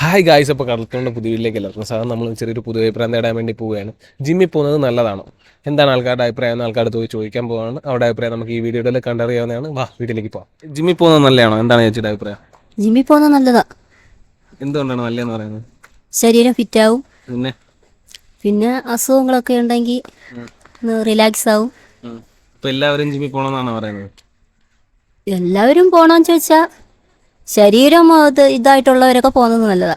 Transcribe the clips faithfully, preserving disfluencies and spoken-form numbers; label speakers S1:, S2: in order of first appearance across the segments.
S1: Hi guys, അപ്പോൾ കടൽത്തോണ്ട പുതിയ വീട്ടിലേക്ക് എല്ലാവർക്കും സാധാരണ നമ്മൾ ചെറിയൊരു പുതിയ അഭിപ്രായം നേടാൻ വേണ്ടി പോവുകയാണ്. ജിമ്മിൽ പോകുന്നത് നല്ലതാണോ, എന്താണ് ആൾക്കാരുടെ അഭിപ്രായം എന്ന് ആൾക്കാരുടെ പോയി ചോദിക്കാൻ പോവാണ്. അവരുടെ അഭിപ്രായം നമുക്ക് ഈ വീഡിയോയിൽ കണ്ടറിയാവുന്നതാണ്. വാ വീട്ടിലേക്ക് പോകാം. ജിമ്മിൽ പോകുന്നത് നല്ലതാണോ, എന്താണ് ചേച്ചിയുടെ അഭിപ്രായം?
S2: ജിമ്മിൽ പോകുന്നത് നല്ലതാ.
S1: എന്തുകൊണ്ടാണ് നല്ലതെന്ന് പറയുന്നത്?
S2: ശരീരം ഫിറ്റാവും,
S1: പിന്നെ
S2: പിന്നെ അസുഖങ്ങളൊക്കെ ഉണ്ടെങ്കിൽ റിലാക്സ് ആവും.
S1: ഇപ്പം എല്ലാവരും ജിമ്മിൽ പോകണമെന്നാണ് പറയുന്നത്.
S2: എല്ലാവരും പോകണമെന്ന് ചോദിച്ചാൽ ശരീരം ഇത് ഇതായിട്ടുള്ളവരൊക്കെ പോകുന്നത് നല്ലതാ.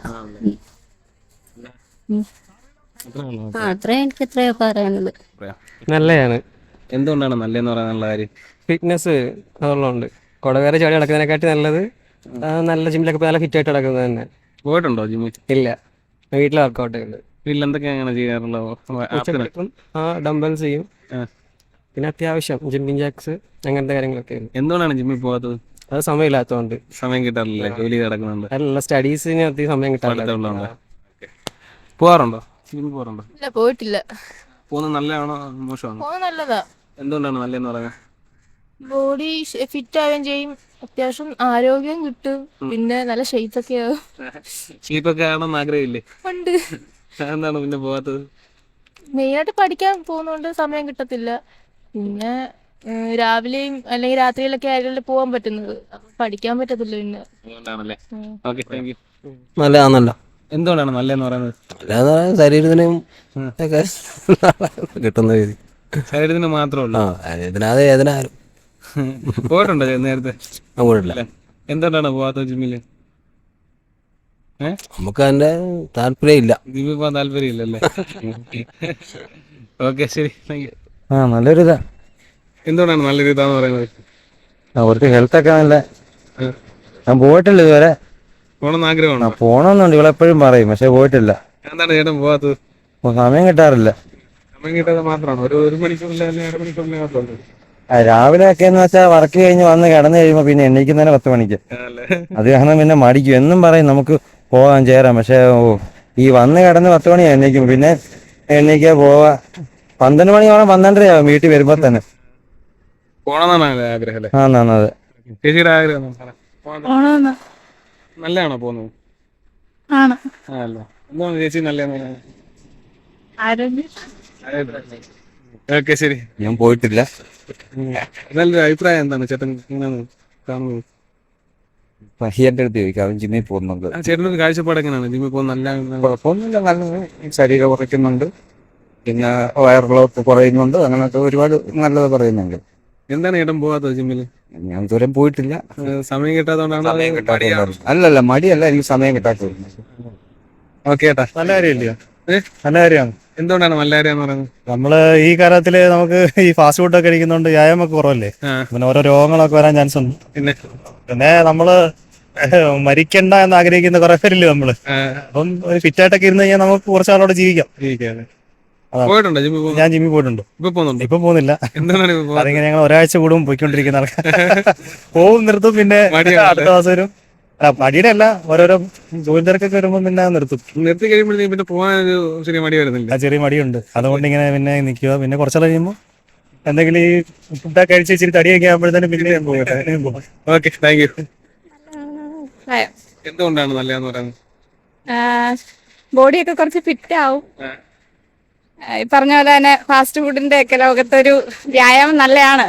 S2: ആ അത്രയും എനിക്ക് എത്രയോ പറയാനുള്ളത്.
S3: നല്ലതാണ്.
S1: എന്തുകൊണ്ടാണ് നല്ലതെന്ന് പറയാനുള്ള കാര്യം?
S3: ഫിറ്റ്നസ് അതുള്ളതുകൊണ്ട് കുടവേറെ ചാടി നടക്കുന്നതിനെക്കാട്ടി നല്ലത് നല്ല ജിമ്മിലൊക്കെ പോയി നല്ല ഫിറ്റ് ആയിട്ട് നടക്കുന്നത് തന്നെ.
S1: പോയിട്ടുണ്ടോ ജിമ്മിൽ?
S3: ഇല്ല, വീട്ടിൽ വർക്കൗട്ട് ഉണ്ട്.
S1: വീട്ടിൽ എന്തൊക്കെയാണ് ചെയ്യാറുള്ളത്?
S3: ആ ഡംബൽസ് ചെയ്യും, പിന്നെ അത്യാവശ്യം ജിമ്മിങ് ജാക്സ് അങ്ങനത്തെ കാര്യങ്ങളൊക്കെ.
S1: എന്തുകൊണ്ടാണ് ജിമ്മിൽ പോകാത്തത്?
S3: അത് സമയമില്ലാത്തതുകൊണ്ട്.
S1: സമയം കിട്ടാറില്ല, ജോലി കിടക്കുന്നുണ്ട്.
S3: അല്ല, സ്റ്റഡീസിന് അധികം സമയം കിട്ടാറില്ല.
S1: പോകാറുണ്ടോ? ജിമ്മിൽ പോകാറുണ്ടോ?
S4: ഇല്ല, പോയിട്ടില്ല.
S1: പോകുന്നത് നല്ലതാണോ മോശമാണോ?
S4: പോകുന്നത് നല്ലതാ.
S1: എന്തുകൊണ്ടാണ് നല്ലതെന്ന് പറയുന്നത്?
S4: ബോഡി ഫിറ്റ് ആവുകയും ചെയ്യും, അത്യാവശ്യം ആരോഗ്യം കിട്ടും, പിന്നെ നല്ല ഷെയ്പ്പ് ഒക്കെ ആവും.
S1: ഷീപ്പൊക്കെ ആണെന്ന് ആഗ്രഹമില്ലേ?
S4: ഉണ്ട്.
S1: എന്താണ് പിന്നെ പോകാത്തത്?
S4: മെയിനായിട്ട് പഠിക്കാൻ പോകുന്നോണ്ട് സമയം കിട്ടത്തില്ല. പിന്നെ രാവിലെയും അല്ലെങ്കിൽ രാത്രിയിലൊക്കെ ആയാലും പോകാൻ പറ്റുന്നത്, പഠിക്കാൻ പറ്റത്തില്ല. പിന്നെ
S1: അതുകൊണ്ടാണല്ലേ. Okay, thank U.
S3: നല്ലതാണല്ലോ.
S1: എന്തുകൊണ്ടാണ് നല്ലതെന്ന് പറയുന്നത്?
S3: നല്ലതെന്ന് ശരീരത്തിനും ഒക്കെ കിട്ടുന്ന രീതി.
S1: ശരീരത്തിന് മാത്രമല്ല,
S3: ഇതിനകത്ത് ഏതിനാലും
S1: പോയിട്ടുണ്ടോ നേരത്തെ?
S3: പോയിട്ടില്ല.
S1: എന്തുകൊണ്ടാണ് പോകാത്തത് ജിമ്മില്? ഏഹ്
S3: നമുക്ക് അതിന്റെ താല്പര്യം ഇല്ല.
S1: ജിമ്മിൽ പോകാൻ താല്പര്യം ഇല്ലല്ലേ? ഓക്കെ, ശരി, താങ്ക് യു.
S3: ആ നല്ലൊരു ഇതാ.
S1: എന്തുകൊണ്ടാണ് നല്ലൊരു ഇതാന്ന് പറയുന്നത്?
S3: അവർക്ക് ഹെൽത്ത് ഒക്കെ നല്ല. ഞാൻ പോയിട്ടില്ല ഇതുവരെ.
S1: പോകണമെന്ന് ആഗ്രഹമുണ്ടോ?
S3: പോണമെന്നുണ്ട്, ഇവളെപ്പോഴും പറയും, പക്ഷെ പോയിട്ടില്ല.
S1: എന്താണ് ചേട്ടൻ പോകാത്തത്?
S3: സമയം കിട്ടാറില്ല.
S1: സമയം കിട്ടാതെ മാത്രമാണോ? ഒരു ഒരു മണിക്കൂറിൽ അല്ലെങ്കിൽ അര മണിക്കൂറിൽ മാത്രമല്ലോ.
S3: രാവിലെ ഒക്കെ എന്ന് വെച്ചാൽ വർക്ക് കഴിഞ്ഞ് വന്ന് കിടന്നു കഴിയുമ്പോ പിന്നെ എണീക്കുന്നതിന് പത്ത് മണിക്ക്. അത് കാരണം പിന്നെ മടിക്കും. എന്നും പറയും നമുക്ക് പോകാൻ ചേരാം, പക്ഷെ ഓ ഈ വന്ന് കിടന്ന് പത്ത് മണി എണീക്കും, പിന്നെ എണീക്കാ പോവാ പന്ത്രണ്ട് മണിയോളം പന്ത്രണ്ടരയാവും വീട്ടിൽ വരുമ്പോ തന്നെ.
S1: പോണമെന്നാണ് ആഗ്രഹം അല്ലേ?
S3: ആ നന്നത്.
S1: ചേച്ചിയുടെ ആഗ്രഹം നല്ലതാണോ പോകുന്നത്?
S4: ആണ്.
S1: അല്ല, എന്താണ് ചേച്ചി നല്ലതെന്ന് പറയുന്നത്? ഓക്കെ, ശരി.
S3: ഞാൻ പോയിട്ടില്ല.
S1: നല്ലൊരു അഭിപ്രായം എന്താണ് ചേട്ടൻ എങ്ങനെയാണ് കാണുന്നത്?
S3: പഹിയന്റെ അടുത്ത് ചോദിക്കാം, അവൻ ജിമ്മിൽ പോകുന്നുണ്ട്.
S1: ചേട്ടനൊരു കാഴ്ചപ്പാട് എങ്ങനെയാണ് ജിമ്മിൽ പോകുന്നത്? നല്ല
S3: കുഴപ്പമൊന്നുമില്ല, നല്ല ശരീരം കുറയ്ക്കുന്നുണ്ട്, പിന്നെ വയറുകളൊക്കെ കുറയുന്നുണ്ട്, അങ്ങനത്തെ ഒരുപാട് നല്ലത് പറയുന്നുണ്ട്.
S1: എന്താണ് ചേട്ടൻ പോകാത്തത് ജിമ്മില്?
S3: ഞാൻ ഇതുവരെ പോയിട്ടില്ല.
S1: സമയം കിട്ടാത്തതുകൊണ്ടാണ്?
S3: അല്ലല്ല, മടിയല്ല, എനിക്ക് സമയം കിട്ടാത്തത്.
S1: ഓക്കെ ചേട്ടാ,
S5: നല്ല കാര്യമില്ലയോ?
S1: നല്ല കാര്യമാണ്. എന്തുകൊണ്ടാണ് നല്ല കാര്യം എന്ന് പറയുന്നത്?
S5: നമ്മള് ഈ കാലത്തില് നമുക്ക് ഈ ഫാസ്റ്റ് ഫുഡ് ഒക്കെ കഴിക്കുന്നോണ്ട് വ്യായാമം ഒക്കെ കുറവല്ലേ, പിന്നെ ഓരോ രോഗങ്ങളൊക്കെ വരാൻ ചാൻസ് ഉണ്ട്.
S1: പിന്നെ
S5: പിന്നെ നമ്മള് മരിക്കണ്ട എന്ന് ആഗ്രഹിക്കുന്ന കുറെ പേരില്ലേ നമ്മള്. അപ്പം ഫിറ്റ് ആയിട്ടൊക്കെ ഇരുന്ന് കഴിഞ്ഞാൽ നമുക്ക് കുറച്ചാളോടെ ജീവിക്കാം.
S1: പോയിട്ടുണ്ടോ ജിമ്മിൽ?
S5: ഞാൻ ജിമ്മിൽ പോയിട്ടുണ്ട്.
S1: ഇപ്പൊ പോകുന്നുണ്ട്?
S5: ഇപ്പൊ പോകുന്നില്ല.
S1: എന്താണ്
S5: അതിങ്ങനെ ഞങ്ങൾ ഒരാഴ്ച കൂടും പോയിക്കൊണ്ടിരിക്കുന്ന ആൾക്കാർ. പോവും, നിർത്തും, പിന്നെ അടുത്ത മാസം വരും. മടിയുടെ അല്ല, ഓരോരോ ജോലി തിരക്കൊക്കെ വരുമ്പോ പിന്നെ നിർത്തും.
S1: നിർത്തി കഴിയുമ്പോഴത്തേക്കും പിന്നെ പോകാൻ ഒരു ചെറിയ മടി വരുന്നില്ല?
S5: ആ ചെറിയ മടിയുണ്ട്, അതുകൊണ്ട് ഇങ്ങനെ പിന്നെ നിൽക്കുക. പിന്നെ കുറച്ചാൾ കഴിയുമ്പോൾ എന്തെങ്കിലും ഈ ഫുഡൊക്കെ കഴിച്ച് ഇച്ചിരി തടിയൊക്കെ ആകുമ്പോഴത്തേനും പിന്നെ പോകും.
S1: Okay, thank you. എന്തുകൊണ്ടാണ് നല്ലതെന്ന് പറയുന്നത്?
S6: ബോഡിയൊക്കെ കുറച്ച് ഫിറ്റ് ആവും. ഈ പറഞ്ഞ പോലെ തന്നെ ഫാസ്റ്റ് ഫുഡിന്റെ ഒക്കെ ലോകത്തൊരു വ്യായാമം നല്ലതാണ്.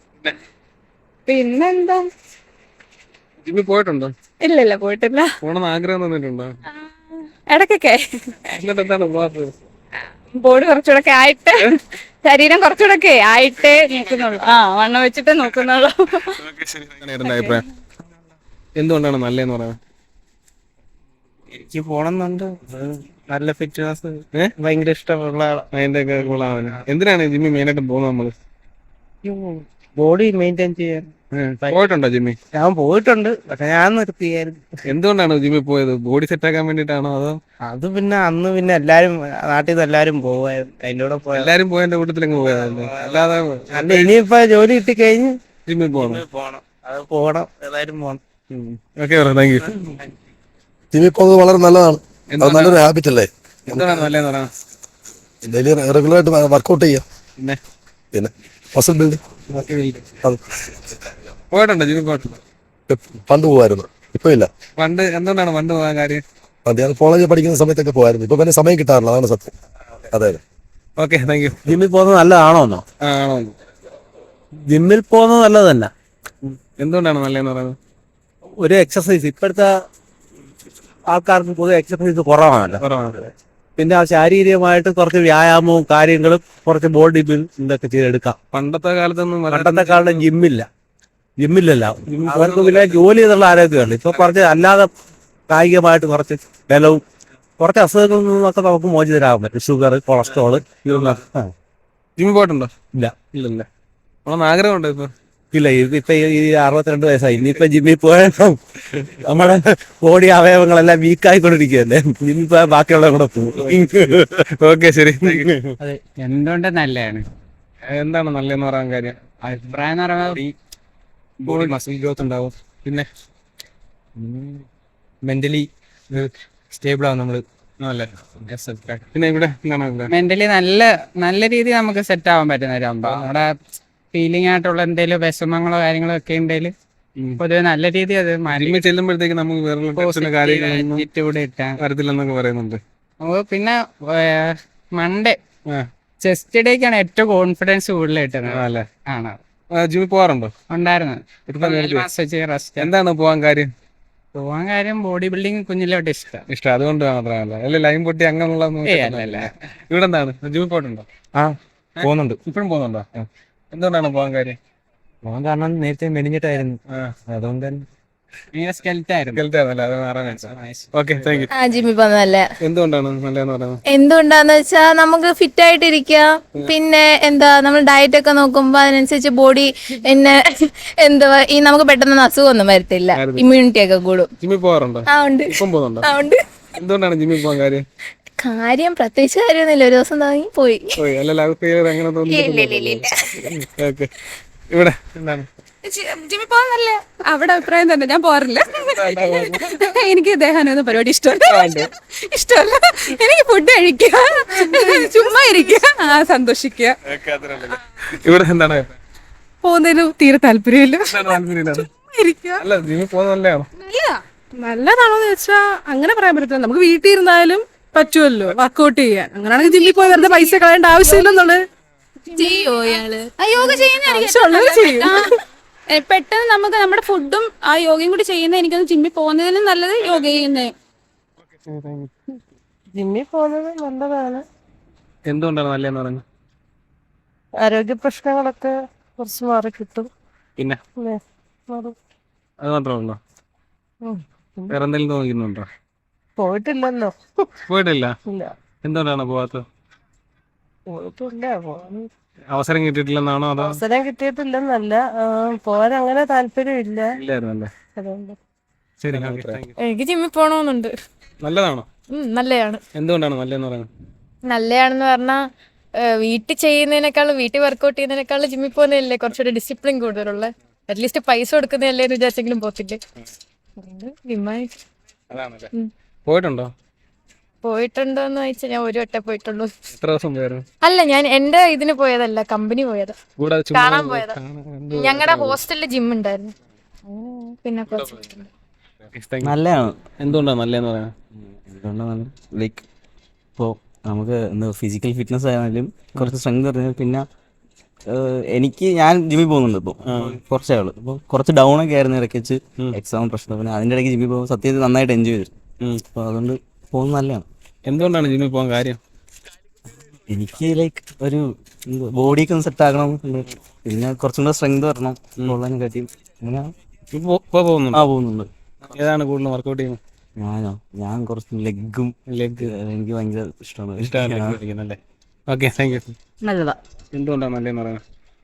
S6: പിന്നെന്താ,
S1: ജിമ്മിൽ പോയിട്ടുണ്ടോ?
S6: ഇല്ല ഇല്ല പോയിട്ടില്ല.
S1: പോണെന്ന് ആഗ്രഹം തന്നിട്ടുണ്ടോ?
S6: ഇടയ്ക്കൊക്കെ.
S1: എന്നിട്ട് എന്താണ് പോകാത്തത്?
S6: ബോഡി കുറച്ചുകൂടെ ആയിട്ട്, ശരീരം കുറച്ചുകൂടെ ആയിട്ടേ നോക്കുന്നുള്ളൂ. ആ വണ്ണം വെച്ചിട്ടേ നോക്കുന്നുള്ളൂ.
S1: അഭിപ്രായം എന്തുകൊണ്ടാണ് നല്ലതെന്ന് പറയുന്നത്?
S5: എനിക്ക് പോണമെന്നുണ്ട്, നല്ല ഫിറ്റ്നസ് ഭയങ്കര ഇഷ്ടമുള്ള
S1: അതിന്റെ ഒക്കെ ഗുണമാണ്. എന്തിനാണ് ജിമ്മിൽ മെയിനായിട്ട് പോകുന്നത് നമ്മള്?
S5: ബോഡി മെയിൻറ്റെയിൻ ചെയ്യാൻ.
S1: പോയിട്ടുണ്ടോ ജിമ്മിൽ?
S5: ഞാൻ പോയിട്ടുണ്ട്, പക്ഷെ ഞാൻ നിർത്തിയായിരുന്നു.
S1: എന്തുകൊണ്ടാണ് ജിമ്മിൽ പോയത്? ബോഡി സെറ്റ് ആക്കാൻ വേണ്ടിട്ടാണോ അതോ?
S5: അത് പിന്നെ അന്ന് പിന്നെ എല്ലാരും നാട്ടിൽ നിന്ന് എല്ലാരും പോവായിരുന്നു, അതിന്റെ കൂടെ പോയ
S1: എല്ലാരും പോയതിന്റെ കൂട്ടത്തിലങ്ങ് പോയതല്ലേ, അല്ലാതെ
S5: അല്ല. ഇനിയിപ്പോ ജോലി കിട്ടി കഴിഞ്ഞ്
S1: ജിമ്മിൽ പോകണം.
S5: പോണം, അത് പോകണം, ഏതായാലും പോകണം.
S1: Okay, thank you.
S7: ജിമ്മിൽ പോകുന്നത് വളരെ നല്ലതാണ്. അത് നല്ലൊരു ഹാബിറ്റ് അല്ലേ?
S1: എന്താണ് നല്ലതെന്ന് പറയാം?
S7: ഡെയിലി റെഗുലറായിട്ട് വർക്കൗട്ട് ചെയ്യാം,
S1: പിന്നെ
S7: പിന്നെ മസിൽ ബിൽഡിംഗ്.
S1: പോയിട്ടുണ്ടോ ജിമ്മിൽ? പോയിട്ടുണ്ടോ?
S7: പണ്ട് പോവായിരുന്നു, ഇപ്പൊ ഇല്ല.
S1: പണ്ട് എന്തുകൊണ്ടാണ് പണ്ട് പോകാൻ കാര്യം?
S7: അത് ഞാൻ കോളേജിൽ പഠിക്കുന്ന സമയത്തൊക്കെ പോയായിരുന്നു. ഇപ്പൊ പിന്നെ സമയം കിട്ടാറില്ല, അതാണ് സത്യം. അതെ അതെ.
S1: Okay, thank you.
S8: ജിമ്മിൽ പോകുന്നത് നല്ലതാണോന്നോ?
S1: ആണോ?
S8: ജിമ്മിൽ പോകുന്നത് നല്ലത് തന്നെ.
S1: എന്തുകൊണ്ടാണ് നല്ലതെന്ന് പറയുന്നത്?
S8: ഒരു എക്സസൈസ് ഇപ്പോഴത്തെ ആൾക്കാർക്ക് പൊതുവെ എക്സസൈസ് കുറവാണല്ലോ.
S1: കുറവാണ്.
S8: പിന്നെ ആ ശാരീരികമായിട്ട് കുറച്ച് വ്യായാമവും കാര്യങ്ങളും കുറച്ച് ബോഡി ബിൽഡ് ഇതൊക്കെ ചെയ്തെടുക്കാം.
S1: പണ്ടത്തെ കാലത്തൊന്നും
S8: പണ്ടത്തെ കാലത്ത് ജിമ്മില്ല, ജിമ്മില്ലല്ല അവർക്ക് പിന്നെ ജോലി ചെയ്തുള്ള ആരോഗ്യമുണ്ട്. ഇപ്പൊ കുറച്ച് അല്ലാതെ കായികമായിട്ട് കുറച്ച് ബലവും കുറച്ച് അസുഖങ്ങളിൽ നിന്നൊക്കെ നമുക്ക് മോചിതരാകാൻ പറ്റും. ഷുഗർ, കൊളസ്ട്രോള് ഇതൊന്നും
S1: ജിമ്മിൽ പോയിട്ടുണ്ടോ?
S8: ഇല്ല.
S1: ഇല്ലല്ലേ. നമ്മളൊന്ന് ആഗ്രഹമുണ്ടോ ഇപ്പൊ?
S8: ഇല്ല, ഇപ്പൊ ഈ അറുപത്തിരണ്ട് വയസ്സായി. ഇനിയിപ്പൊ ജിമ്മിൽ പോയപ്പോ നമ്മുടെ ബോഡി അവയവങ്ങളെല്ലാം വീക്കായിക്കൊണ്ടിരിക്കുകയല്ലേ. ജിമ്മിൽ പോയാൽ ബാക്കിയുള്ള കൂടെ പോകും.
S1: ഓക്കെ, ശരി.
S9: അതെ, എന്തുകൊണ്ട് നല്ലതാണ്?
S1: എന്താണ് നല്ലതെന്ന് പറയാൻ കാര്യം?
S9: അഭിപ്രായം എന്ന് പറയുമ്പോൾ
S1: ബോഡി മസിൽ ഗ്രോത്ത് ഉണ്ടാവും, പിന്നെ
S9: മെന്റലി സ്റ്റേബിൾ ആവും നമ്മള്.
S1: അല്ലേ? പിന്നെ ഇവിടെ എന്താണ്?
S9: മെന്റലി നല്ല നല്ല രീതിയിൽ നമുക്ക് സെറ്റ് ആവാൻ പറ്റുന്നവരാകുമ്പോ നമ്മുടെ ഫീലിംഗ് ആയിട്ടുള്ള എന്തെങ്കിലും വിഷമങ്ങളോ കാര്യങ്ങളോ ഒക്കെ ഉണ്ടെങ്കിൽ പൊതുവെ നല്ല രീതിയിൽ അത്
S1: ജിമ്മിൽ ചെല്ലുമ്പോഴത്തേക്ക് നമുക്ക് വേറെ കാര്യങ്ങളൊന്നും
S9: ആറ്റിറ്റ്യൂഡ് ഇട്ടാൻ
S1: വരത്തില്ലെന്നൊക്കെ പറയുന്നുണ്ട്.
S9: നമുക്ക് പിന്നെ മൺഡേ
S1: ആ.
S9: ചെസ്റ്റ് ഡേക്കാണ് ഏറ്റവും കോൺഫിഡൻസ് കൂടുതൽ കിട്ടുന്നത്.
S1: അല്ലേ?
S9: ആണ്.
S1: ജിമ്മിൽ പോകാറുണ്ടോ?
S9: ഉണ്ടായിരുന്നു.
S1: ഇപ്പൊ
S9: നാല് മാസം വെച്ച് റെസ്റ്റ്.
S1: എന്താണ് പോകാൻ കാര്യം?
S9: പോവാൻ കാര്യം ബോഡി ബിൽഡിംഗ് കുഞ്ഞിലോട്ട് ഇഷ്ടം.
S1: ഇഷ്ടം അതുകൊണ്ട് മാത്രമല്ല, അല്ലെ ലൈൻ പൊട്ടി അങ്ങനെയുള്ള ഇവിടെ എന്താണ്? ജിമ്മിൽ പോയിട്ടുണ്ടോ?
S5: ആ പോകുന്നുണ്ട്.
S1: ഇപ്പഴും പോകുന്നുണ്ടോ? എന്തുകൊണ്ടാണ് പോകാൻ കാര്യം?
S5: പോകാൻ കാരണം നേരത്തെ മെലിഞ്ഞിട്ടായിരുന്നു, അതുകൊണ്ട് തന്നെ.
S1: Okay, thank you.
S4: ആ ജിമ്മിൽ പോകുന്നത് നല്ല.
S1: എന്തുകൊണ്ടാണ് നല്ലതെന്ന് പറയുന്നത്?
S4: എന്തുകൊണ്ടാന്ന് വെച്ചാൽ നമുക്ക് ഫിറ്റ് ആയിട്ടിരിക്കാം. പിന്നെ എന്താ നമ്മൾ ഡയറ്റ് ഒക്കെ നോക്കുമ്പോ അതിനനുസരിച്ച് ബോഡി പിന്നെ എന്തുവാ ഈ നമുക്ക് പെട്ടെന്ന് അസുഖമൊന്നും വരത്തില്ല, ഇമ്മ്യൂണിറ്റി ഒക്കെ കൂടും.
S1: ജിമ്മിൽ പോകാറുണ്ടോ?
S4: ആ ഉണ്ട്.
S1: ഇപ്പം പോകുന്നുണ്ടോ?
S4: ആ ഉണ്ട്.
S1: എന്തുകൊണ്ടാണ് ജിമ്മിൽ പോകാൻ കാര്യം?
S4: കാര്യം പ്രത്യേകിച്ച് കാര്യമൊന്നുമില്ല, ഒരു ദിവസം തുടങ്ങി പോയി.
S1: പോയി അല്ലല്ലോ, അങ്ങനെ തോന്നുന്നു. ഓക്കെ, ഇവിടെ എന്താണ്?
S6: ജിമ്മിൽ പോകാൻ നല്ല അവിടെ അഭിപ്രായം തന്നെ. ഞാൻ പോകാറില്ല. എനിക്ക് ദേഹാനൊന്നും പരിപാടി ഇഷ്ടമല്ല. ഇഷ്ടമല്ല. എനിക്ക് ഫുഡ് കഴിക്കുക, ചുമ്മാ ഇരിക്കുക, ആ സന്തോഷിക്കുക.
S1: ഇവിടെ എന്താണ്?
S6: പോകുന്നതിന് തീരെ താല്പര്യമില്ല.
S1: അല്ല, ജിമ്മിൽ പോകുന്നത് നല്ലതാണോ?
S6: നല്ലതാണോന്ന് ചോദിച്ചാ അങ്ങനെ പറയാൻ പറ്റത്തില്ല. നമുക്ക് വീട്ടിൽ ഇരുന്നാലും പറ്റുമല്ലോ വർക്കൗട്ട് ചെയ്യാൻ. അങ്ങനെയാണെങ്കിൽ ജിമ്മിൽ പോയി വെറുതെ പൈസ കളയേണ്ട ആവശ്യമില്ലെന്നുള്ളത്.
S2: യോഗ
S6: ആവശ്യമുള്ളത് ചെയ്യും.
S2: പെട്ടെന്ന് നമുക്ക് നമ്മുടെ ഫുഡും ആ യോഗയും കൂടി ചെയ്യുന്ന എനിക്കൊന്ന് ജിമ്മിൽ പോകുന്നതിനും നല്ലത് യോഗ ചെയ്യുന്നത്.
S10: ജിമ്മിൽ പോകുന്നത് നല്ലതാണ്.
S1: എന്തുകൊണ്ടാണ് നല്ലതെന്ന് പറയുന്നത്?
S10: ആരോഗ്യ പ്രശ്നങ്ങളൊക്കെ കുറച്ച് മാറി കിട്ടും.
S1: പിന്നെ
S10: മാറും.
S1: അത് മാത്രമല്ലോ, വേറെ എന്തെങ്കിലും തോന്നുന്നുണ്ടോ?
S10: പോയിട്ടില്ലല്ലോ.
S1: പോയിട്ടില്ല.
S10: ഇല്ല.
S1: എന്തുകൊണ്ടാണ് പോവാത്തത്?
S10: പോയിട്ടില്ല. പോകാൻ
S1: അവസരം കിട്ടിയിട്ടില്ലെന്നാണോ? അതോ
S10: അവസരം കിട്ടിയിട്ടില്ലെന്നല്ല, പോകാൻ അങ്ങനെ താല്പര്യം ഇല്ല.
S1: ഇല്ലായിരുന്നല്ലേ?
S10: അതുകൊണ്ട്
S1: ശരി.
S4: എനിക്ക് ജിമ്മിൽ പോകണമെന്നുണ്ട്.
S1: നല്ലതാണോ?
S4: നല്ലതാണ്.
S1: എന്തുകൊണ്ടാണ് നല്ലതെന്ന് പറയുന്നത്?
S4: നല്ലതാണെന്ന് പറഞ്ഞാൽ വീട്ടിൽ ചെയ്യുന്നതിനേക്കാളും വീട്ടിൽ വർക്കൗട്ട് ചെയ്യുന്നതിനേക്കാളും ജിമ്മിൽ പോകുന്നതല്ലേ കുറച്ചുകൂടി ഡിസിപ്ലിൻ കൂടുതലുള്ള. അറ്റ്ലീസ്റ്റ് പൈസ കൊടുക്കുന്നതല്ലേ എന്ന് വിചാരിച്ചെങ്കിലും പോത്തില്ലേ. അതുകൊണ്ട് ജിമ്മായി
S1: അതാണല്ലേ. പോയിട്ടുണ്ടോ?
S4: പോയിട്ടുണ്ടോന്ന് ചോദിച്ചാൽ ഞാൻ ഒരു വട്ടം പോയിട്ടുള്ളൂ.
S1: എത്ര ദിവസം പോയായിരുന്നു?
S4: അല്ല, ഞാൻ എന്റെ ഇതിന് പോയതല്ല, കമ്പനി പോയതാ,
S1: കൂടാതെ ചുമ്മാ
S4: കാണാൻ പോയതാ.
S1: കാണാൻ-
S4: ഞങ്ങളുടെ ഹോസ്റ്റലിൽ ജിം ഉണ്ടായിരുന്നു. പിന്നെ കുറച്ച്
S3: നല്ലതാണ്.
S1: എന്തുകൊണ്ടാണ് നല്ലതെന്ന് പറയാൻ?
S3: എന്തുകൊണ്ടാണ് ലൈക്ക് ഇപ്പോൾ നമുക്ക് എന്താ ഫിസിക്കൽ ഫിറ്റ്നസ് ആയാലും കുറച്ച് സ്ട്രെങ്ത് പറഞ്ഞാൽ പിന്നെ ഏഹ്, എനിക്ക് ഞാൻ ജിമ്മിൽ പോകുന്നുണ്ട് ഇപ്പോൾ കുറച്ചേ ആള് ഇപ്പോൾ കുറച്ച് ഡൗൺ ഒക്കെ ആയിരുന്നു ഇടയ്ക്ക് വെച്ച് എക്സാം പ്രശ്നം. പിന്നെ അതിൻ്റെ ഇടയ്ക്ക് ജിമ്മിൽ പോകുമ്പോൾ സത്യത്തിൽ നന്നായിട്ട് എൻജോയ് ചെയ്തു. അപ്പോൾ അതുകൊണ്ട് പോകുന്നത് നല്ലതാണ്.
S1: എന്തുകൊണ്ടാണ് ജിമ്മിൽ പോകാൻ കാര്യം?
S3: എനിക്ക് ലൈക്ക് ഒരു ബോഡിയൊക്കെ ഒന്ന് സെറ്റ് ആക്കണം, പിന്നെ കുറച്ചും കൂടെ സ്ട്രെങ്ത് വരണം ഉള്ളതിനെ കാട്ടിയും അങ്ങനെ
S1: ഇപ്പൊ ഇപ്പൊ പോകുന്നുണ്ടോ?
S3: ആ പോകുന്നുണ്ട്.
S1: ഏതാണ് കൂടുതൽ വർക്കൗട്ട് ചെയ്യുന്നത്?
S3: ഞാനോ ഞാൻ കുറച്ച് ലെഗും ലെഗ് എനിക്ക് ഭയങ്കര ഇഷ്ടമാണ്.
S1: ഇഷ്ടമല്ലേ? Okay, thank you.
S2: നല്ലതാ.
S1: എന്തുകൊണ്ടാണ് നല്ലതെന്ന് പറയുന്നത്?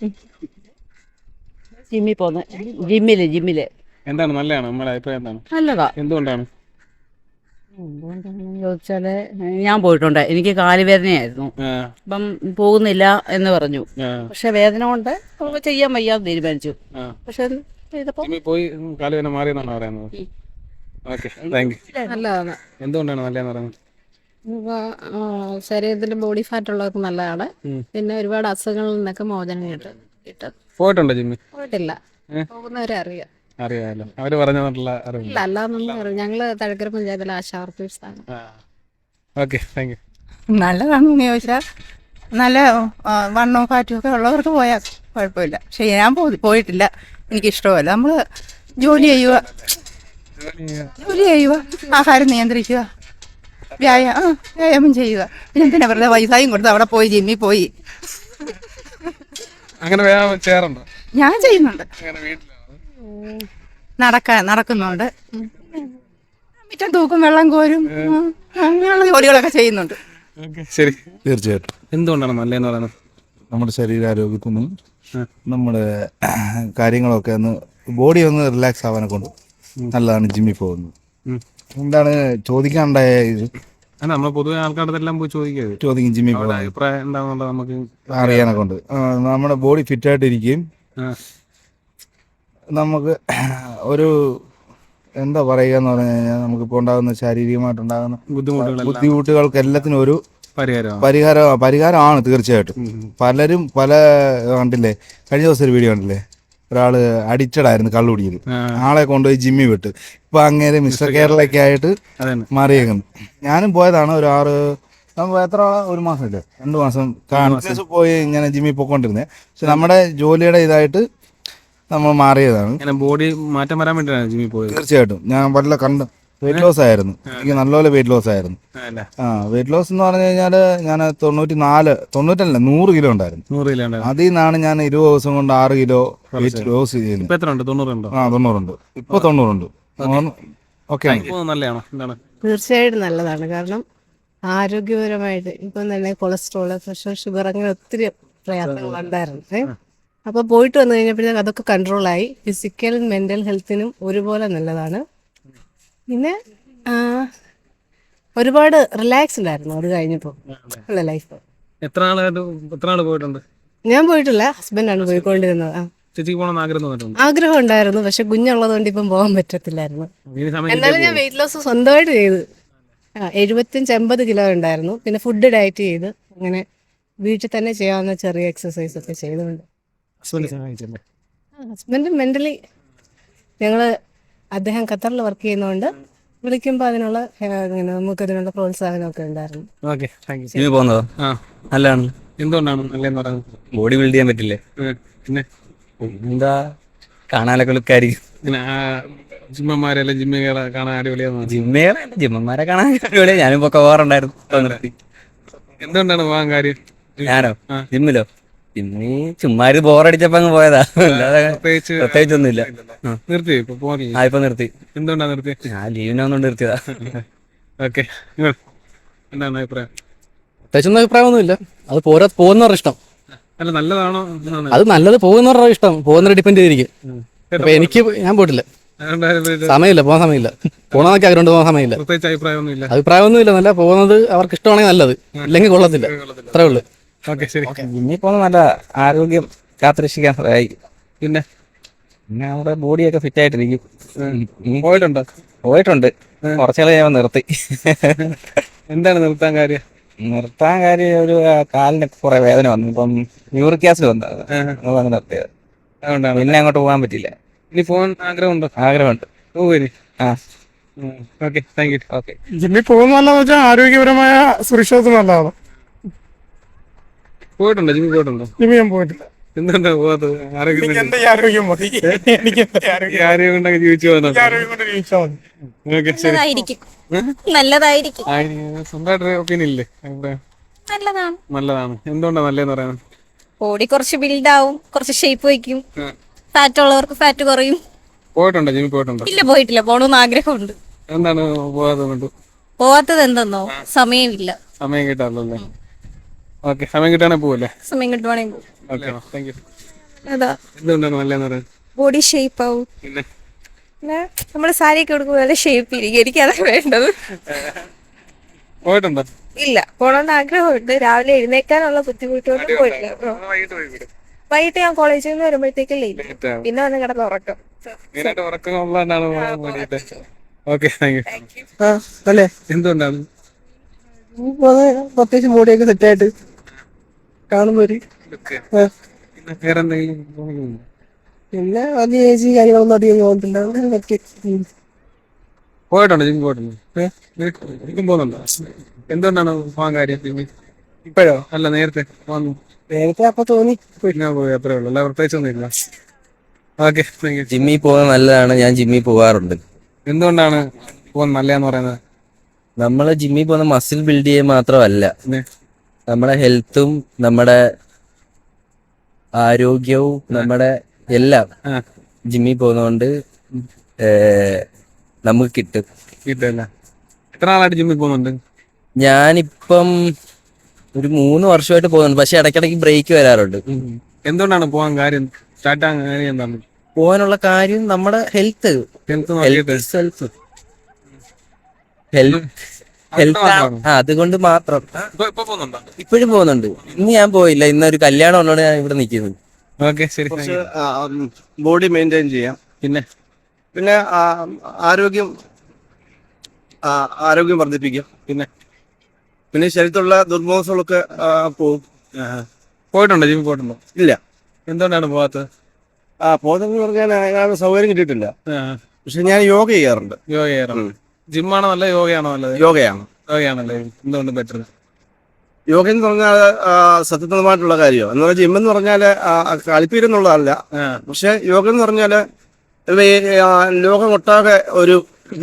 S2: ജിമ്മിൽ പോകുന്നത്. ജിമ്മില് ജിമ്മില്
S1: എന്താണ് നല്ലതാണ്? നമ്മുടെ അഭിപ്രായം എന്താണ്?
S2: നല്ലതാ.
S1: എന്തുകൊണ്ടാണ്?
S2: എന്തുകൊണ്ടാണെന്ന് ചോദിച്ചാല് ഞാൻ പോയിട്ടുണ്ട്. എനിക്ക് കാലുവേദനയായിരുന്നു.
S1: ആ,
S2: അപ്പം പോകുന്നില്ല എന്ന് പറഞ്ഞു.
S1: ആ,
S2: പക്ഷെ വേദന കൊണ്ട് നമുക്ക് ചെയ്യാൻ വയ്യാന്ന് തീരുമാനിച്ചു.
S1: ആ.
S2: പക്ഷെ ചെയ്തപ്പോ
S1: ജിമ്മിൽ പോയി കാലുവേദന മാറിയെന്നാണ് പറയുന്നത്. Okay, thank you.
S6: നല്ലതാണ്.
S1: എന്തുകൊണ്ടാണ് നല്ലതെന്ന് പറയുന്നത്?
S6: ശരീരത്തിൽ ബോഡി ഫാറ്റ് ഉള്ളവർക്ക് നല്ലതാണ്.
S1: ഉം.
S6: പിന്നെ ഒരുപാട് അസുഖങ്ങളിൽ നിന്നൊക്കെ മോചനം കിട്ടും. കിട്ടും.
S1: പോയിട്ടുണ്ടോ ജിമ്മിൽ?
S6: പോയിട്ടില്ല.
S1: ഏ?
S6: പോകുന്നവരെ അറിയാം.
S1: അറിയാമല്ലോ അവര് പറഞ്ഞിട്ടുള്ള അറിവ്.
S6: ഇല്ല അല്ലാന്നൊന്നും അറിയാം. ഞങ്ങള് തഴക്കര പഞ്ചായത്തിലെ ആശാ വർക്കേഴ്സാണ്.
S1: Okay thank you.
S10: നല്ലതാണെന്ന് ചോദിച്ചാൽ നല്ല ആ, വണ്ണവും ഫാറ്റും ഒക്കെ ഉള്ളവർക്ക് പോയാൽ കുഴപ്പമില്ല. പക്ഷെ ഞാൻ പോ- പോയിട്ടില്ല, എനിക്കിഷ്ടമല്ല. നമ്മൾ ജോലി ചെയ്യുക ജോലി ചെയ്യുക ആഹാരം നിയന്ത്രിക്കുക, വ്യായാ ആ വ്യായാമം ചെയ്യുക. പിന്നെ എന്തിനാ വെറുതെ പൈസയും കൊടുത്ത് അവിടെ പോയി ജിമ്മിൽ പോയി.
S1: അങ്ങനെ വ്യായാമം ചെയ്യാറുണ്ടോ?
S10: ഞാൻ ചെയ്യുന്നുണ്ട്,
S1: അങ്ങനെ വീട്ടിലാണോ?
S10: നടക്കാൻ നടക്കുന്നുണ്ട്, മിറ്റം തൂക്കും, വെള്ളം കോരും, ഉം, അങ്ങനെയുള്ള ജോലികളൊക്കെ ചെയ്യുന്നുണ്ട്.
S1: ഓക്കെ ശരി.
S7: തീർച്ചയായിട്ടും
S1: എന്തുകൊണ്ടാണ് നല്ലതെന്ന് പറയുന്നത്?
S7: നമ്മുടെ ശരീരാരോഗ്യത്തിനും നമ്മുടെ കാര്യങ്ങളൊക്കെ ഒന്ന് ബോഡി ഒന്ന് റിലാക്സ് ആവാനെ കൊണ്ട് നല്ലതാണ് ജിമ്മിൽ പോകുന്നത്.
S1: ഉം.
S7: എന്താണ് ചോദിക്കാനുണ്ടായ ഇത്
S1: അല്ല നമ്മൾ പൊതുവെ ആൾക്കാരുടെ എല്ലാം പോയി ചോദിക്കരുത്.
S7: ചോദിക്കും ജിമ്മിൽ
S1: അവരുടെ
S7: പോകുന്നത്
S1: അഭിപ്രായം എന്താണെന്നുള്ളത് നമുക്ക്
S7: അറിയാനെ കൊണ്ട് ആ, നമ്മുടെ ബോഡി ഫിറ്റായിട്ടിരിക്കുകയും
S1: ആ.
S7: നമുക്ക് ഒരു എന്താ പറയുക എന്ന് പറഞ്ഞു കഴിഞ്ഞാൽ നമുക്കിപ്പോൾ ഉണ്ടാകുന്ന ശാരീരികമായിട്ടുണ്ടാകുന്ന
S1: ബുദ്ധിമുട്ടുകളെല്ലാം
S7: ബുദ്ധിമുട്ടുകൾക്ക് എല്ലാത്തിനും ഒരു
S1: പരിഹാരമാണ്.
S7: പരിഹാരം പരിഹാരമാണ് തീർച്ചയായിട്ടും. പലരും പല കണ്ടില്ലേ, കഴിഞ്ഞ ദിവസം ഒരു വീഡിയോ കണ്ടില്ലേ, ഒരാള് അഡിക്റ്റഡ് ആയിരുന്നു കള്ളു കുടിക്കൽ, ആളെ കൊണ്ടുപോയി ജിമ്മിൽ വിട്ട് ഇപ്പൊ അങ്ങേരെ മിസ്റ്റർ കേരളയൊക്കെ ആയിട്ട്
S1: അതന്നെ.
S7: മാറിയേക്കുന്നു. ഞാനും പോയതാണ് ഒരു ആറ് നമ്മൾ എത്ര ഒരു മാസം ഇല്ലേ രണ്ട് മാസം കണ്ടിന്യൂസ് പോയി ഇങ്ങനെ ജിമ്മിൽ പോയിക്കൊണ്ടിരുന്നത്. പക്ഷെ നമ്മുടെ ജോലിയുടെ ഇതായിട്ട് നമ്മൾ മാറിയതാണ്.
S1: ഇങ്ങനെ ബോഡി മാറ്റം വരാൻ വേണ്ടിയിട്ടാണ് ജിമ്മിൽ പോയത്.
S7: തീർച്ചയായിട്ടും ഞാൻ വല്ല കണ്ട് വെയിറ്റ് ലോസ് ആയിരുന്നു, എനിക്ക് നല്ലപോലെ വെയിറ്റ് ലോസ് ആയിരുന്നു.
S1: അല്ലേ?
S7: ആ വെയിറ്റ് ലോസ് എന്ന് പറഞ്ഞു കഴിഞ്ഞാൽ ഞാൻ തൊണ്ണൂറ്റി നാല് തൊണ്ണൂറ്റല്ല നൂറ് കിലോ ഉണ്ടായിരുന്നു.
S1: നൂറ് കിലോ ഉണ്ടായിരുന്നു.
S7: അതിൽ നിന്നാണ് ഞാൻ ഇരുപത് ദിവസം കൊണ്ട് ആറ് കിലോ വെയിറ്റ് ലോസ് ചെയ്യുന്നത്.
S1: ഇപ്പൊ എത്ര ഉണ്ട്? തൊണ്ണൂറുണ്ടോ?
S7: ആ തൊണ്ണൂറുണ്ട്, ഇപ്പൊ തൊണ്ണൂറുണ്ട്. ഓക്കെ
S1: നല്ലതാണോ? എന്താണ്?
S10: തീർച്ചയായിട്ടും നല്ലതാണ്. കാരണം ആരോഗ്യപരമായിട്ട് ഇപ്പം തന്നെ കൊളസ്ട്രോള്, പ്രഷർ, ഷുഗർ അങ്ങനെ ഒത്തിരി പ്രയാസങ്ങൾ ഉണ്ടായിരുന്നു. ഏ അപ്പോൾ പോയിട്ട് വന്നു കഴിഞ്ഞപ്പോഴത്തേക്ക് അതൊക്കെ കൺട്രോളായി. ഫിസിക്കൽ മെൻ്റൽ ഹെൽത്തിനും ഒരുപോലെ നല്ലതാണ്. പിന്നെ ആ, ഒരുപാട് റിലാക്സ്ഡ് ആയിരുന്നു അത് കഴിഞ്ഞപ്പോൾ ഉള്ള ലൈഫ്.
S1: എത്ര നാളായിട്ട് എത്ര നാള് പോയിട്ടുണ്ട്?
S10: ഞാൻ പോയിട്ടില്ല, ഹസ്ബൻഡാണ് പോയിക്കൊണ്ടിരുന്നത്. ആ
S1: ചേച്ചിക്ക് പോകണമെന്ന് ആഗ്രഹം തോന്നിട്ടുണ്ട്?
S10: ആഗ്രഹം ഉണ്ടായിരുന്നു, പക്ഷെ കുഞ്ഞുള്ളത് കൊണ്ട് ഇപ്പം പോകാൻ പറ്റത്തില്ലായിരുന്നു.
S1: ഇനി സമയം
S10: എന്നാലും ഞാൻ വെയിറ്റ് ലോസ് സ്വന്തമായിട്ട് ചെയ്ത് ആ എഴുപത്തഞ്ച് എൺപത് കിലോ ഉണ്ടായിരുന്നു. പിന്നെ ഫുഡ് ഡയറ്റ് ചെയ്ത് അങ്ങനെ വീട്ടിൽ തന്നെ ചെയ്യാവുന്ന ചെറിയ എക്സസൈസ് ഒക്കെ ചെയ്തുകൊണ്ട്
S1: ഹസ്ബൻഡ് സഹായിച്ചല്ലേ?
S10: ഹസ്ബൻഡ് മെൻ്റലി ഞങ്ങൾ അദ്ദേഹം ഖത്തറിൽ വർക്ക് ചെയ്യുന്നതുകൊണ്ട് വിളിക്കുമ്പോൾ അതിനുള്ള ഏ, ഇങ്ങനെ നമുക്കതിനുള്ള പ്രോത്സാഹനമൊക്കെ ഉണ്ടായിരുന്നു.
S1: Okay thank you.
S8: ജിമ്മിൽ പോകുന്നതോ?
S1: ആ
S8: നല്ലതാണ്.
S1: എന്തുകൊണ്ടാണ് നല്ലതെന്ന് പറയുന്നത്?
S8: ബോഡി ബിൽഡ് ചെയ്യാൻ പറ്റില്ലേ?
S1: ഉം. പിന്നെ
S8: എന്താ കാണാനൊക്കെ ലുക്കായിരിക്കും.
S1: ഇങ്ങനെ ആ ജിമ്മന്മാരെല്ലാം ജിമ്മുകളെ കാണാൻ അടിപൊളിയാന്ന്.
S8: ജിമ്മേറെ ജിമ്മന്മാരെ കാണാൻ അടിപൊളിയാ. ഞാനും ഇപ്പൊ പോകാറുണ്ടായിരുന്നു. ഇപ്പൊ നിർത്തി.
S1: എന്തുകൊണ്ടാണ് പോകാൻ കാര്യം?
S8: ഞാനോ?
S1: ആ.
S8: ജിമ്മിലോ? ജിമ്മി ചുമ്മാ ഒരു ബോറടിച്ചപ്പോ അങ്ങ് പോയതാ, അല്ലാതെ
S1: പ്രത്യേകിച്ച്
S8: പ്രത്യേകിച്ചൊന്നുമില്ല. ആ.
S1: നിർത്തി ഇപ്പൊ പോകില്ല.
S8: ആ ഇപ്പൊ നിർത്തി.
S1: എന്തുകൊണ്ടാ നിർത്തി?
S8: ഞാൻ ലീവിനൊന്നും നിർത്തിയതാ.
S1: ഓക്കെ എന്താണ് അഭിപ്രായം?
S11: പ്രത്യേകിച്ചൊന്നും അഭിപ്രായമൊന്നുമില്ല. അത് പോരാ പോകുന്നവരുടെ ഇഷ്ടം.
S1: അല്ല നല്ലതാണോ? എന്നാണ്.
S11: അത് നല്ലത് പോകുന്നവരുടെ ഇഷ്ടം, പോകുന്നവരെ ഡിപ്പെൻഡ് ചെയ്തിരിക്കും.
S1: ചേട്ടാ,
S11: അപ്പൊ എനിക്ക് ഞാൻ പോയിട്ടില്ല,
S1: അതുകൊണ്ടാണ് ഇത്
S11: സമയമില്ല, പോകാൻ സമയമില്ല. പോകണമെന്നൊക്കെ ആഗ്രഹമുണ്ട്, പോകാൻ സമയമില്ല.
S1: പ്രത്യേകിച്ച് അഭിപ്രായമൊന്നുമില്ല.
S11: അഭിപ്രായമൊന്നുമില്ല, നല്ല പോകുന്നത് അവർക്ക് ഇഷ്ടമാണെങ്കിൽ നല്ലത്, ഇല്ലെങ്കിൽ കൊള്ളത്തില്ല, അത്രേ ഉള്ളു.
S1: ഓക്കെ ശരി.
S8: ജിമ്മിൽ പോകുന്ന നല്ല ആരോഗ്യം കാത്തുരക്ഷിക്കാൻ സഹായിക്കും.
S1: പിന്നെ
S8: പിന്നെ നമ്മുടെ ബോഡിയൊക്കെ ഫിറ്റ് ആയിട്ടിരിക്കും. ഉം.
S1: പോയിട്ടുണ്ടോ?
S8: പോയിട്ടുണ്ട്, കുറച്ചുകൾ ഞാൻ നിർത്തി.
S1: എന്താണ് നിർത്താൻ കാര്യം?
S8: നിർത്താൻ കാര്യം ഒരു ആ, കാലിന് കുറെ വേദന വന്നു, ഇപ്പം യൂറിക് ആസിഡ് വന്നു, അത് നിർത്തിയത്.
S1: അതുകൊണ്ടാണ്.
S8: പിന്നെ അങ്ങോട്ട് പോകാൻ പറ്റില്ല.
S1: ഇനി പോകാൻ ആഗ്രഹമുണ്ടോ?
S8: ആഗ്രഹമുണ്ട്.
S1: പോവുനി.
S8: ആ
S1: ഓക്കെ താങ്ക് യു.
S8: ഓക്കെ.
S5: ജിമ്മിൽ പോകുന്നതെന്ന് വെച്ചാൽ ആരോഗ്യപരമായ സുരക്ഷിതത്വം നല്ലതാണ്.
S1: പോയിട്ടുണ്ടോ? ജിമ്മിൽ പോയിട്ടുണ്ടോ?
S5: ജിമ്മിൽ ഞാൻ പോയിട്ടില്ല.
S1: എന്തുകൊണ്ടാ പോകാത്തത്? ആരോഗ്യം
S5: എന്റെ ഈ ആരോഗ്യം മതി, എനിക്ക് എന്റെ
S1: ഈ
S5: ആരോഗ്യം
S1: ആരോഗ്യം കൊണ്ടൊക്കെ ജീവിച്ചു പോകുന്നുണ്ട്.
S5: ആരോഗ്യം കൊണ്ട് ജീവിച്ചാൽ മതി.
S1: ഓക്കെ ശരി.
S2: നല്ലതായിരിക്കും, നല്ലതായിരിക്കും,
S1: ആ, ഇനി സ്വന്തമായിട്ട് ഒപ്പീനിയൻ ഇല്ലേ? അഭിപ്രായം
S2: നല്ലതാണ്.
S1: നല്ലതാണ്. എന്തുകൊണ്ടാണ് നല്ലതെന്ന് പറയുന്നത്?
S2: ബോഡി കുറച്ച് ബിൽഡ് ആവും, കുറച്ച് ഷേപ്പ് വയ്ക്കും, ഫാറ്റ് ഉള്ളവർക്ക് ഫാറ്റ് കുറയും.
S1: പോയിട്ടുണ്ടോ? ജിമ്മിൽ പോയിട്ടുണ്ടോ?
S2: ഇല്ല പോയിട്ടില്ല, പോകണമെന്ന് ആഗ്രഹമുണ്ട്.
S1: എന്താണ് പോകാത്തത് കൊണ്ട്?
S2: പോവാത്തത് എന്തെന്നോ സമയമില്ല.
S1: സമയം കിട്ടാറില്ലല്ലേ? ഓക്കെ സമയം കിട്ടുകയാണെങ്കിൽ പോവല്ലേ?
S2: സമയം കിട്ടുവാണെങ്കിൽ പോകും.
S1: Okay thank you.
S2: അതാ
S1: എന്തുകൊണ്ടാണ് നല്ലതെന്ന് പറയുന്നത്?
S2: ബോഡി ഷേപ്പ് ആവും,
S1: പിന്നെ
S2: പിന്നെ നമ്മൾ സാരിയൊക്കെ കൊടുക്കുമ്പോൾ നല്ല ഷേപ്പ് ഇരിക്കും. എനിക്കതാണ് വേണ്ടത്.
S1: പോയിട്ടുണ്ടോ?
S2: ഇല്ല, പോകണമെന്ന് ആഗ്രഹമുണ്ട്. രാവിലെ എഴുന്നേക്കാനുള്ള ബുദ്ധിമുട്ടുകൊണ്ട് പോയിട്ടില്ല.
S1: വൈകിട്ട് പോയി
S2: വൈകിട്ട് ഞാൻ കോളേജിൽ നിന്ന് വരുമ്പോഴത്തേക്ക് ലേറ്റ്,
S1: ലേറ്റ് ആവും.
S2: പിന്നെ വന്ന് കിടന്ന് ഉറക്കം.
S1: മെയിനായിട്ട് ഉറക്കം ഉള്ളതാണ് വേണ്ടിയിട്ട്. Okay thank you.
S11: ആ അല്ലേ,
S1: എന്തുകൊണ്ടാണ്?
S11: പ്രത്യേകിച്ച് ബോഡിയൊക്കെ സെറ്റ് ആയിട്ട് കാണുമ്പോ ഒരു
S1: ലുക്ക് പിന്നെ വേറെ എന്തെങ്കിലും തോന്നുന്നുണ്ടോ?
S11: പിന്നെ വലിയ ഏജ് കാര്യങ്ങളൊന്നും അധികം പോകുന്നില്ല അങ്ങനെയൊക്കെ.
S1: പോയിട്ടുണ്ടോ ജിമ്മിൽ പോയിട്ടുണ്ടോ? എനിക്കും പോകുന്നുണ്ടോ? എന്തുകൊണ്ടാണ് പോകാൻ കാര്യം ജിമ്മിൽ? ഇപ്പോഴോ? അല്ല നേരത്തെ വന്നു
S11: നേരത്തെ അപ്പൊ തോന്നി
S1: പിന്നെ പോയി അത്രേ ഉള്ളൂ, അല്ല പ്രത്യേകിച്ചൊന്നും ഇല്ല. Okay, thank you.
S3: ജിമ്മിൽ പോകുന്നത് നല്ലതാണ്, ഞാൻ ജിമ്മിൽ പോകാറുണ്ട്.
S1: എന്തുകൊണ്ടാണ് പോകുന്നത് നല്ലതെന്ന് പറയുന്നത്?
S3: നമ്മൾ ജിമ്മിൽ പോകുന്ന മസിൽ ബിൽഡ് ചെയ്യാൻ മാത്രമല്ല,
S1: പിന്നെ
S3: നമ്മുടെ ഹെൽത്തും നമ്മുടെ ആരോഗ്യവും നമ്മുടെ എല്ലാം
S1: ആ
S3: ജിമ്മിൽ പോകുന്നതുകൊണ്ട് ഏർ, നമുക്ക് കിട്ടും.
S1: കിട്ടില്ല. എത്ര നാളായിട്ട് ജിമ്മിൽ പോകുന്നുണ്ട്?
S3: ഞാനിപ്പം ഒരു മൂന്ന് വർഷമായിട്ട് പോകുന്നുണ്ട്, പക്ഷെ ഇടയ്ക്കിടയ്ക്ക് ബ്രേക്ക് വരാറുണ്ട്.
S1: എന്തുകൊണ്ടാണ് പോകാൻ കാര്യം, സ്റ്റാർട്ട് ആകാൻ കാര്യം എന്താണ്?
S3: പോകാനുള്ള കാര്യം നമ്മുടെ ഹെൽത്ത്
S1: ഹെൽത്ത് നോക്കിയിട്ട്
S3: ഹെൽത്ത് ഹെൽത്ത് ഹെൽത്ത്
S1: മാത്രമാണോ?
S3: ആ അതുകൊണ്ട് മാത്രം.
S1: ഇപ്പൊ ഇപ്പൊ പോകുന്നുണ്ടോ?
S3: ഇപ്പോഴും പോകുന്നുണ്ട്. ഇന്ന് ഞാൻ പോയില്ല, ഇന്നൊരു കല്യാണം ഉള്ളതുകൊണ്ട് ഞാൻ ഇവിടെ നിൽക്കുന്നത്.
S1: ഓക്കെ, ശരി. thank you.
S5: ബോഡി മെയിൻറ്റെയിൻ ചെയ്യാം.
S1: പിന്നെ
S5: പിന്നെ ആ, ആരോഗ്യം ആ, ആരോഗ്യം വർദ്ധിപ്പിക്കും.
S1: പിന്നെ
S5: പിന്നെ ശരീരത്തിലുള്ള ദുർബോധങ്ങളൊക്കെ ആ, പോവും.
S1: പോയിട്ടുണ്ടോ ജിമ്മിൽ പോയിട്ടുണ്ടോ?
S5: ഇല്ല.
S1: എന്തുകൊണ്ടാണ് പോകാത്തത്?
S5: ആ പോകുന്നതെന്ന് പറഞ്ഞാൽ അതിനുള്ള സൗകര്യം കിട്ടിയിട്ടില്ല.
S1: ആ,
S5: പക്ഷെ ഞാൻ യോഗ ചെയ്യാറുണ്ട്.
S1: യോഗ ചെയ്യാറുണ്ട്. ജിമ്മാണോ നല്ലത് യോഗയാണോ നല്ലത്?
S5: യോഗയാണ്.
S1: യോഗയാണല്ലേ എന്തുകൊണ്ട് ബെറ്റർ?
S5: യോഗ എന്ന് പറഞ്ഞാൽ സത്യസന്ധമായിട്ടുള്ള കാര്യമാണ്. എന്ന് പറഞ്ഞാൽ ജിം എന്ന് പറഞ്ഞാൽ കളിപ്പീരെന്നുള്ളതല്ല.
S1: ആ
S5: പക്ഷെ യോഗ എന്ന് പറഞ്ഞാൽ ലോകമൊട്ടാകെ ഒരു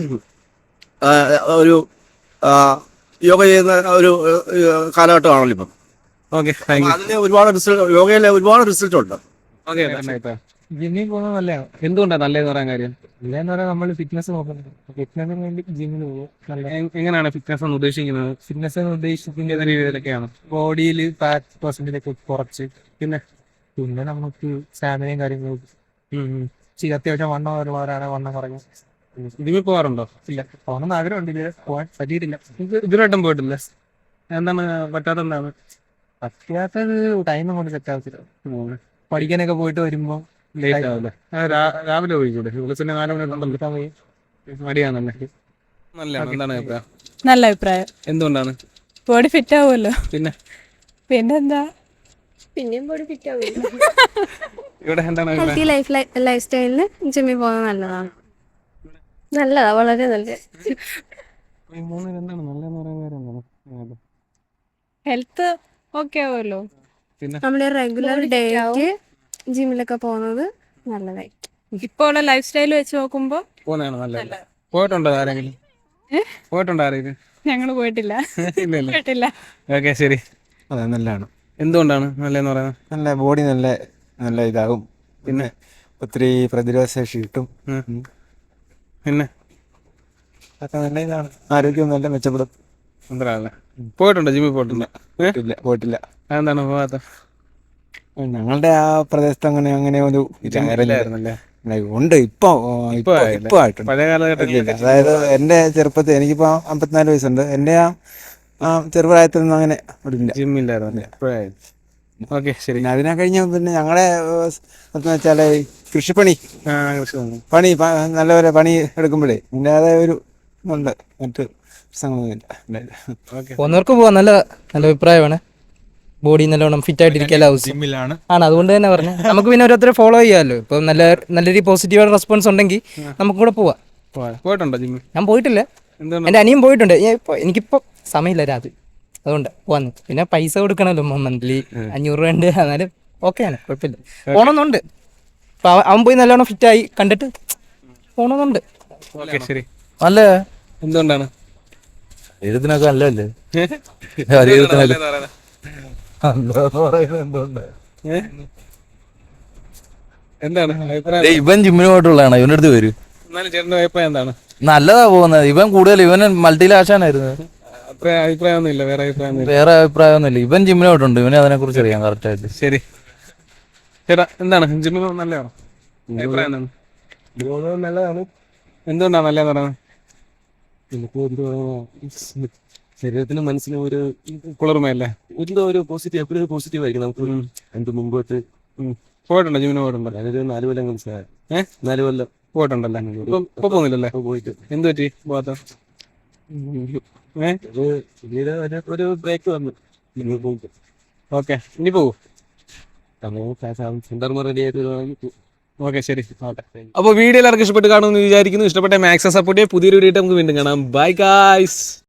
S5: ആ, ഒരു ആ, യോഗ ചെയ്യുന്ന ഒരു കാലഘട്ടമാണല്ലോ ഇപ്പം.
S1: Okay, thank you.
S5: അതിന് ഒരുപാട് റിസൾട്ട്, യോഗയിലെ ഒരുപാട് റിസൾട്ട് ഉണ്ട്.
S1: ഓക്കെ, ജിമ്മിൽ പോകുന്നത് നല്ലതാണ്. എന്തുകൊണ്ടാണ് നല്ലതെന്ന് പറയാൻ കാര്യം?
S11: ഇല്ലെന്ന് പറയാൻ നമ്മൾ ഫിറ്റ്നസ് നോക്കുന്നത്, ഫിറ്റ്നസിന് വേണ്ടി ജിമ്മിന് പോകും. നല്ല
S1: എ- എങ്ങനെയാണ് ഫിറ്റ്നസ് എന്ന് ഉദ്ദേശിക്കുന്നത്?
S11: ഫിറ്റ്നസ് എന്ന് ഉദ്ദേശിക്കുന്നത്
S1: ഏത് രീതിയിലൊക്കെയാണ്?
S11: ബോഡിയിൽ ഫാറ്റ് പെർസെന്റേജ് ഒക്കെ കുറച്ച്,
S1: പിന്നെ
S11: പിന്നെ നമുക്ക് സ്റ്റാമിനയും കാര്യങ്ങളും ചെയ്ത് അത്യാവശ്യം വണ്ണം ഒരുപാടാണ് വണ്ണം കുറഞ്ഞു.
S1: ജിമ്മിൽ പോകാറുണ്ടോ?
S11: ഇല്ല, പോകണമെന്ന് ആഗ്രഹമുണ്ട്, ഇതുവരെ പോകാൻ പറ്റിയിട്ടില്ല.
S1: ഇത് ഇതിലായിട്ടും പോയിട്ടില്ല. എന്താണ് പറ്റാത്ത എന്താണ്?
S11: പറ്റാത്തത് ടൈം കൊണ്ട് സെറ്റ് ആവത്തില്ല. പഠിക്കാനൊക്കെ പോയിട്ട് വരുമ്പോൾ
S1: ലേറ്റ് ആവില്ലേ? ആ, രാ- രാവിലെ പോയിക്കൂടെ? വിളിച്ചിട്ട് നാല് മണിക്കുണ്ടല്ലോ. മടിയാണല്ലേ? നല്ലതാണ്. എന്താണ് അഭിപ്രായം?
S6: നല്ല അഭിപ്രായം.
S1: എന്തുകൊണ്ടാണ്?
S6: ബോഡി ഫിറ്റ് ആവുമല്ലോ.
S1: പിന്നെ
S6: പിന്നെന്താ,
S4: പിന്നെയും ബോഡി ഫിറ്റ് ആവും.
S1: ഇവിടെ എന്താണ് അഭിപ്രായം?
S4: ഹെൽത്തി ലൈഫ് ലൈഫ് സ്റ്റൈലിന് ജിമ്മിൽ പോകുന്നത് നല്ലതാണ്. നല്ലതാ, വളരെ നല്ലത്.
S1: ഈ മൂന്നിൽ എന്താണ് നല്ലതെന്ന് പറയാൻ കാര്യം എന്താണ്?
S6: ഹെൽത്ത് ഓക്കെ ആവുമല്ലോ.
S1: പിന്നെ
S4: നമ്മുടെ റെഗുലർ ഡേക്ക് ജിമ്മിലൊക്കെ പോകുന്നത് നല്ലതായി.
S6: ഇപ്പോൾ ഉള്ള ലൈഫ് സ്റ്റൈൽ വെച്ച് നോക്കുമ്പോൾ
S1: പോകുന്നതാണ് നല്ലത്. പോയിട്ടുണ്ടോ ആരെങ്കിലും? പോയിട്ടുണ്ടോ ആരെങ്കിലും?
S6: ഞങ്ങൾ പോയിട്ടില്ല.
S1: ഇല്ല ഇല്ല.
S6: പോയിട്ടില്ല.
S1: ഓക്കെ, ശരി.
S5: അതെ, നല്ലതാണ്.
S1: എന്തുകൊണ്ടാണ് നല്ലതെന്ന് പറയുന്നത്?
S5: നല്ല ബോഡി നല്ല നല്ല ഇതാകും. പിന്നെ ഒത്തിരി പ്രതിരോധ ശേഷി കിട്ടും.
S1: ഉം. പിന്നെ
S5: അതൊക്കെ നല്ല ഇതാണ്. ആരോഗ്യം നല്ല മെച്ചപ്പെടും.
S1: എന്തല്ലേ പോയിട്ടുണ്ടോ ജിമ്മിൽ? പോയിട്ടില്ല.
S5: ഇല്ല, പോയിട്ടില്ല.
S1: അതെന്താണ് പോകാത്ത?
S5: ഞങ്ങളുടെ ആ പ്രദേശത്ത് അങ്ങനെ അങ്ങനെ ഒരു
S1: ഇല്ലായിരുന്നല്ലേ?
S5: ഉണ്ട്. ഇപ്പൊ
S1: ഇപ്പൊ ആയില്ലേ?
S5: ഇപ്പൊ ആയിട്ടുണ്ട്.
S1: പഴയ കാലഘട്ടത്തിൽ
S5: അതായത് എന്റെ ചെറുപ്പത്തിൽ, എനിക്കിപ്പോ അമ്പത്തിനാല് വയസ്സുണ്ട്. എന്റെ ആ ആ ചെറുപ്രായത്തിൽ നിന്നും അങ്ങനെ ഇവിടെ ഇല്ല.
S1: ജിമ്മില്ലായിരുന്നല്ലേ? ഇപ്പോഴായി. ഓക്കെ, ശരി.
S5: പിന്നെ അതിനെ കഴിഞ്ഞ പിന്നെ ഞങ്ങളുടെ എന്ന് വെച്ചാല് കൃഷിപ്പണി
S1: ആ കൃഷി വന്നു.
S5: പണി പ- നല്ലപോലെ പണി എടുക്കുമ്പോഴേ അതിൻ്റെതായ ഒരു ഉണ്ട്. മറ്റ് പ്രശ്നങ്ങളൊന്നുമില്ല.
S1: ഓക്കെ,
S11: പോകുന്നവർക്ക് പോവാം, നല്ല നല്ല അഭിപ്രായമാണ്. ബോഡി നല്ലോണം ഫിറ്റ് ആയിട്ടിരിക്കാൻ ആവശ്യം
S7: ജിമ്മിലാണ്.
S11: ആണ്, അതുകൊണ്ട് തന്നെ പറഞ്ഞു നമുക്ക് പിന്നെ ഓരോരുത്തരെ ഫോളോ ചെയ്യാമല്ലോ. ഇപ്പം നല്ല നല്ല രീതിയിൽ പോസിറ്റീവായിട്ട് റെസ്പോൺസ് ഉണ്ടെങ്കിൽ നമുക്ക് കൂടെ പോവാം.
S1: പോവാം. പോയിട്ടുണ്ടോ ജിമ്മിൽ?
S11: ഞാൻ പോയിട്ടില്ല,
S1: എന്താണ്?
S11: എൻ്റെ അനിയൻ പോയിട്ടുണ്ട്. ഞാൻ ഇപ്പോൾ എനിക്കിപ്പോൾ സമയമില്ല രാത്രി, അതുകൊണ്ട് പോവാന്ന്. പിന്നെ പൈസ കൊടുക്കണമല്ലോ മന്ത്ലി അഞ്ഞൂറ് രൂപ ഉണ്ട്, എന്നാലും ഓക്കെയാണ്, കുഴപ്പമില്ല. പോകണമെന്നുണ്ട്. അപ്പോൾ അവൻ അവൻ പോയി നല്ലോണം ഫിറ്റായി കണ്ടിട്ട് പോകണമെന്നുണ്ട്.
S1: ഓക്കെ, ശരി.
S11: നല്ല
S1: എന്തുകൊണ്ടാണ്
S11: ശരീരത്തിനൊക്കെ നല്ലതല്ലേ?
S1: എന്തുകൊണ്ടാണ് നല്ലതെന്ന് പറയുന്നത്? ഏ? എന്താണ് അഭിപ്രായം?
S3: ഇവൻ ജിമ്മിന് പോയിട്ടുള്ളതാണ്, ഇവൻ്റെ അടുത്ത് വരും.
S1: എന്നാലും ചേട്ടൻ്റെ അഭിപ്രായം എന്താണ്?
S3: നല്ലതാ പോകുന്നത്. ഇവൻ കൂടുതൽ ഇവൻ മൾട്ടിലാഷാനായിരുന്നു.
S1: അത്ര അഭിപ്രായമൊന്നും ഇല്ല? വേറെ അഭിപ്രായം ഒന്നും ഇല്ല?
S3: വേറെ അഭിപ്രായമൊന്നുമില്ല. ഇവൻ ജിമ്മിന് പോയിട്ടുണ്ട്, ഇവനെ അതിനെ കുറിച്ച് അറിയാം കറക്റ്റ് ആയിട്ട്.
S1: ശരി ചേട്ടാ, എന്താണ് ജിമ്മിൽ നല്ലതാണോ? അഭിപ്രായം എന്താണ്?
S5: നല്ലതാണ്.
S1: എന്തുകൊണ്ടാണ് നല്ലതെന്ന് പറയുന്നത്?
S8: ശരീരത്തിനും മനസ്സിനും ഒരു
S1: കുളിർമയല്ലേ?
S8: എന്തോ ഒരു പോസിറ്റീവ്, എപ്പോഴും പോസിറ്റീവ് ആയിരിക്കും നമുക്ക്. എന്ത് മുമ്പോട്ട്
S1: പോയിട്ടുണ്ടോ ജിമ്മിന്? പോയിട്ടുണ്ടോ?
S8: ഞാനൊരു നാല് കൊല്ലം മനസ്സിലായി.
S1: ഏഹ്
S8: നാല് കൊല്ലം
S1: പോയിട്ടുണ്ടല്ലേ? ഇപ്പൊ ഇപ്പൊ പോകുന്നില്ലല്ലേ?
S8: പോയിട്ട്
S1: എന്ത് പറ്റി പോകാത്ത? ഏഹ്
S8: ഒരു പിന്നീട് ഒരു- ഒരു ബ്രേക്ക് വന്നു. നിങ്ങൾ പോയിട്ട്
S1: ഓക്കെ, ഇനി പോകൂ.
S8: സമയം സെന്റർ റെഡി ആയിട്ട്
S1: ഓക്കെ ശരി അപ്പോൾ വീഡിയോ എല്ലാവർക്കും ഇഷ്ടപ്പെട്ട് കാണുമെന്ന് വിചാരിക്കുന്നു. ഇഷ്ടപ്പെട്ട മാക്സിമം സപ്പോർട്ട് ചെയ്യുക. പുതിയൊരു വീഡിയോ നമുക്ക് വീണ്ടും കാണാം. Bye guys.